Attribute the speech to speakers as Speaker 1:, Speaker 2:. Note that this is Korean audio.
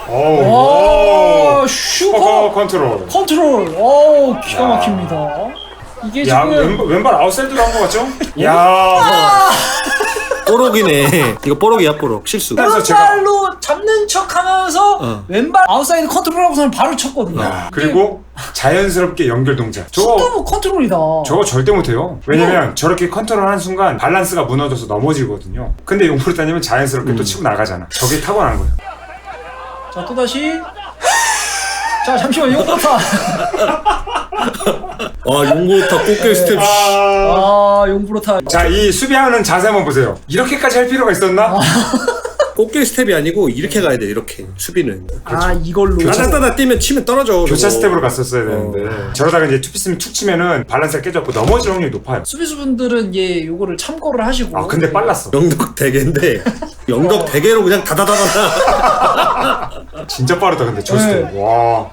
Speaker 1: 오,
Speaker 2: 슈퍼 컨트롤.
Speaker 1: 컨트롤. 기가 막힙니다. 이게
Speaker 2: 야,
Speaker 1: 지금
Speaker 2: 왼발 아웃사이드로 한 거 같죠? 야,
Speaker 3: 뽀록이네. 이거 뽀록이야 뽀록. 실수.
Speaker 2: 그래서 제가
Speaker 1: 왼발로 잡는 척하면서 왼발 아웃사이드 컨트롤하고서는 바로 쳤거든요.
Speaker 2: 그리고 자연스럽게 연결 동작.
Speaker 1: 너무 컨트롤이다.
Speaker 2: 저거 절대 못해요. 왜냐면 저렇게 컨트롤하는 순간 밸런스가 무너져서 넘어지거든요. 근데 용프로타님은 자연스럽게 또 치고 나가잖아. 저게 타고난 거예요.
Speaker 1: 자, 또다시. 자, 잠시만, 용프로타.
Speaker 3: 용고타 꽃게 스텝.
Speaker 1: 용프로타.
Speaker 2: 자, 이 수비하는 자세 한번 보세요. 이렇게까지 할 필요가 있었나?
Speaker 3: 꽃게 스텝이 아니고 이렇게 가야 돼. 이렇게 수비는.
Speaker 1: 이걸로.
Speaker 3: 따다따다 뛰면 치면 떨어져.
Speaker 2: 교차
Speaker 3: 저거.
Speaker 2: 스텝으로 갔었어야 되는데 저러다가 이제 투피스면 툭 치면은 밸런스가 깨져갖고 넘어질 확률이 높아요.
Speaker 1: 수비수분들은 요거를 참고를 하시고.
Speaker 2: 근데 빨랐어.
Speaker 3: 영덕 대게인데 영덕 대게로 그냥 다다다다다.
Speaker 2: 진짜 빠르다 근데 저 스텝. 와.